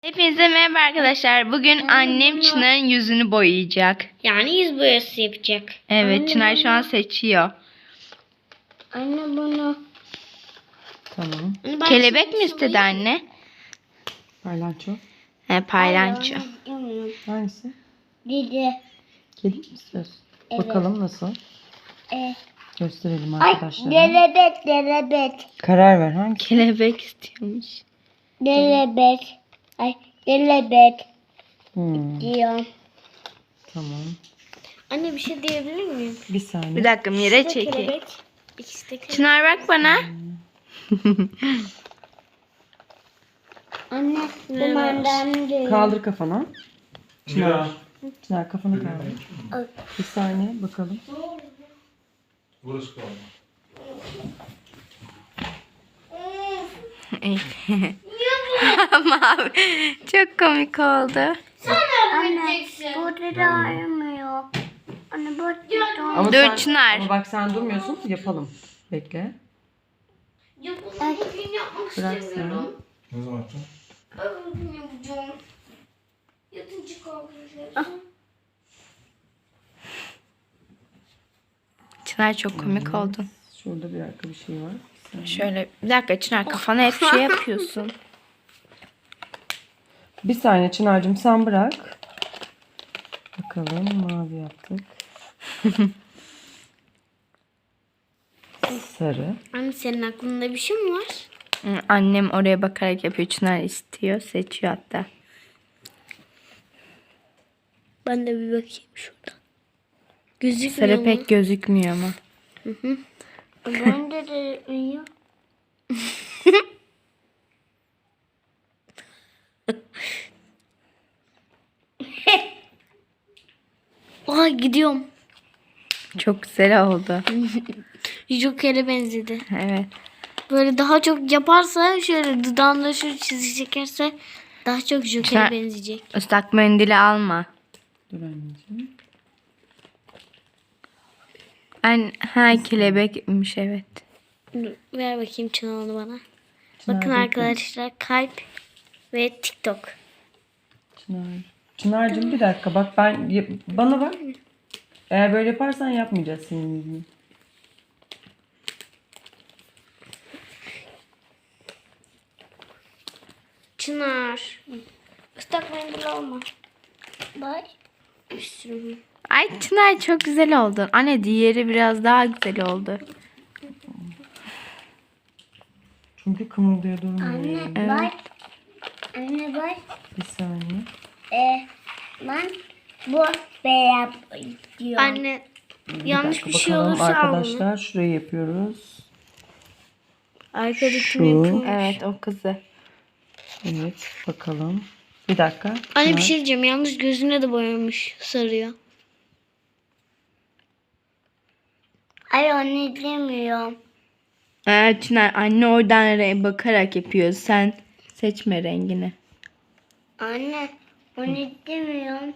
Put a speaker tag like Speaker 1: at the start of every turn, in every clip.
Speaker 1: Hepinize merhaba arkadaşlar. Bugün annem Çınar'ın yüzünü boyayacak.
Speaker 2: Yani yüz boyası yapacak.
Speaker 1: Evet,
Speaker 2: Anne,
Speaker 1: Çınar şu an seçiyor.
Speaker 2: Anne bunu.
Speaker 3: Tamam.
Speaker 2: Anne,
Speaker 1: Kelebek mi istedi anne?
Speaker 3: Paylanço.
Speaker 1: Paylanço.
Speaker 3: Hangisi?
Speaker 2: Dede.
Speaker 3: Kedi mi istiyorsun?
Speaker 2: Evet.
Speaker 3: Bakalım nasıl? Gösterelim
Speaker 2: Ay,
Speaker 3: arkadaşlara.
Speaker 2: delebet.
Speaker 3: Karar ver hangi?
Speaker 1: Kelebek istiyormuş.
Speaker 2: Delebet. Ay, delebet
Speaker 3: Tamam.
Speaker 2: Tamam. Anne bir şey diyebilir miyim?
Speaker 3: Bir saniye.
Speaker 1: Bir dakika Mire
Speaker 2: İşte
Speaker 1: çekeyim.
Speaker 2: kelebek. İkisi de kelebek.
Speaker 1: Çınar bak bana.
Speaker 2: Anne, kumandan diyor.
Speaker 3: Kaldır kafanı. Çınar. Çınar kafanı kaldır. Bir saniye bakalım.
Speaker 4: Burası kalma.
Speaker 1: Mavi. Çok komik oldu.
Speaker 2: Anne, burada da ayrılmıyor. Anne, burada da
Speaker 3: Ama
Speaker 1: Dur, Çınar.
Speaker 3: Ama bak sen durmuyorsun. Yapalım. Bekle.
Speaker 2: Ya bunu bugün yapmak
Speaker 3: Bırak
Speaker 2: istemiyorum.
Speaker 4: Ne zaman yapacaksın?
Speaker 2: Ben bugün yapacağım. Yatınca kalkacağım.
Speaker 1: Çınar çok komik oldun.
Speaker 3: Şurada bir dakika bir şey var.
Speaker 1: Şöyle bir dakika Çınar kafana hep şey yapıyorsun.
Speaker 3: Bir saniye Çınar'cığım sen bırak. Bakalım mavi yaptık. Sarı.
Speaker 2: Anne senin aklında bir şey mi var?
Speaker 1: Annem oraya bakarak yapıyor. Çınar istiyor. Seçiyor hatta.
Speaker 2: Ben de bir bakayım şuradan. Gözükmüyor
Speaker 1: Sarı
Speaker 2: mu?
Speaker 1: pek gözükmüyor ama.
Speaker 2: Ben de uyuyor. Ay gidiyorum.
Speaker 1: Çok güzel oldu.
Speaker 2: Joker'e benzedi.
Speaker 1: Evet.
Speaker 2: Böyle daha çok yaparsa şöyle dudağında şu çizgi çekerse daha çok Joker'e
Speaker 1: Sen-
Speaker 2: benzeyecek.
Speaker 1: Islak mendili alma.
Speaker 3: Dur anneciğim.
Speaker 1: Kelebekmiş evet.
Speaker 2: Dur, ver bakayım Çınar'ını bana.
Speaker 3: Çınar,
Speaker 2: Bakın
Speaker 3: bekle.
Speaker 2: arkadaşlar kalp ve TikTok.
Speaker 3: Çınar. Çınar'cığım bir dakika bak bana bak. Eğer böyle yaparsan yapmayacağız senin yüzünü.
Speaker 2: Çınar. Islak mendil alma. Bak. Bir sürü.
Speaker 1: Ay Çınar çok güzel oldun. Anne diğeri biraz daha güzel oldu.
Speaker 3: Çünkü kımıldıyor durmuyor.
Speaker 2: Bak. Anne bak.
Speaker 3: Bir saniye.
Speaker 2: Ben bu beyaz diyor. Anne yanlış bir şey
Speaker 3: Bakalım
Speaker 2: olursa al bunu.
Speaker 3: arkadaşlar şurayı yapıyoruz.
Speaker 2: Arkadakini
Speaker 3: Şu.
Speaker 2: yapıyorum.
Speaker 1: Evet o kızı.
Speaker 3: Evet bakalım. Bir dakika.
Speaker 2: Anne bir
Speaker 3: Çınar.
Speaker 2: şey diyeceğim. Yalnız gözüne de boyamış sarıyor. Ay anne demiyorum.
Speaker 1: Çınar anne oradan bakarak yapıyor. Sen seçme rengini.
Speaker 2: Anne onu demiyorum.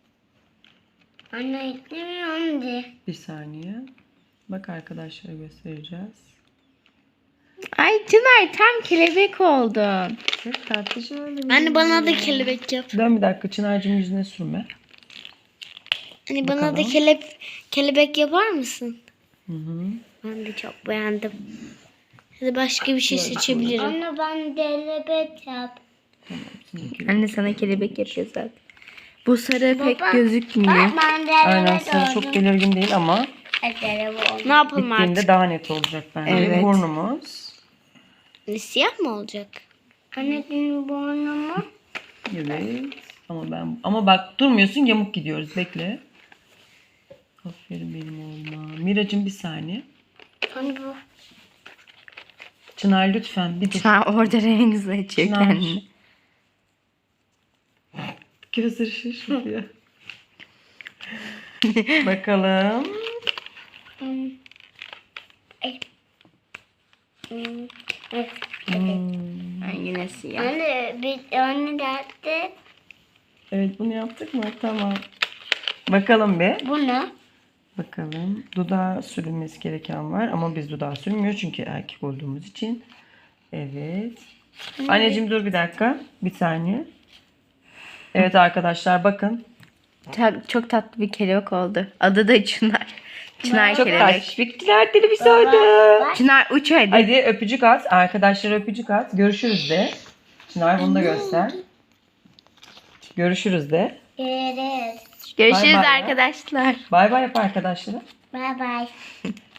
Speaker 2: Anne demiyorum de.
Speaker 3: Bir saniye. Bak arkadaşlara göstereceğiz.
Speaker 1: Ay Çınar tam kelebek oldun.
Speaker 3: Çok tatlıcı öyle.
Speaker 2: Anne bana da kelebek yap.
Speaker 3: Dön bir dakika Çınar'cığım yüzüne sürme.
Speaker 2: Anne bana da
Speaker 3: Bakalım.
Speaker 2: kelebek yapar mısın?
Speaker 3: Hı hı.
Speaker 2: Ben de çok beğendim. Hadi başka bir şey seçebilirim. Anne ben kelebek yap.
Speaker 1: Anne sana kelebek yapıyor zaten. Bu sarı pek gözükmüyor.
Speaker 2: Ben de
Speaker 3: Aynen sarı çok belirgin değil ama
Speaker 2: ne yapalım
Speaker 3: bittiğinde
Speaker 2: artık?
Speaker 3: daha net olacak bence.
Speaker 1: Evet.
Speaker 3: Burnumuz.
Speaker 2: Siyah mı olacak? Anne benim burnumu.
Speaker 3: Evet. Ama bak durmuyorsun yamuk gidiyoruz. Bekle. Aferin benim oğluma. Miracığım bir saniye.
Speaker 2: Anne bu.
Speaker 3: Çınar lütfen bir dur.
Speaker 1: Çınar orada renk seçiyor
Speaker 3: Çınar.
Speaker 1: kendini.
Speaker 3: Gözleri şaşırıyor. Bakalım.
Speaker 1: Ay, yine siyah.
Speaker 2: Anne derdi.
Speaker 3: Evet bunu yaptık mı? Tamam. Bakalım be.
Speaker 2: Bu ne?
Speaker 3: Bakalım. Dudağa sürülmesi gereken var ama biz dudağa sürmüyoruz çünkü erkek olduğumuz için. Evet. Anneciğim dur bir dakika. Bir saniye. Evet arkadaşlar bakın.
Speaker 1: Çok tatlı bir kelebek oldu. Adı da Çınar. Çınar
Speaker 3: Çok
Speaker 1: kelebek.
Speaker 3: taş. Bittiler dili bir soydu.
Speaker 1: Çınar uç hadi.
Speaker 3: Hadi öpücük at. Arkadaşlara öpücük at. Görüşürüz de. Çınar bunu da göster. Görüşürüz de.
Speaker 2: Evet.
Speaker 1: Görüşürüz
Speaker 3: Bay bay ya.
Speaker 1: arkadaşlar.
Speaker 3: Bay bay yap arkadaşlara.
Speaker 2: Bye bye.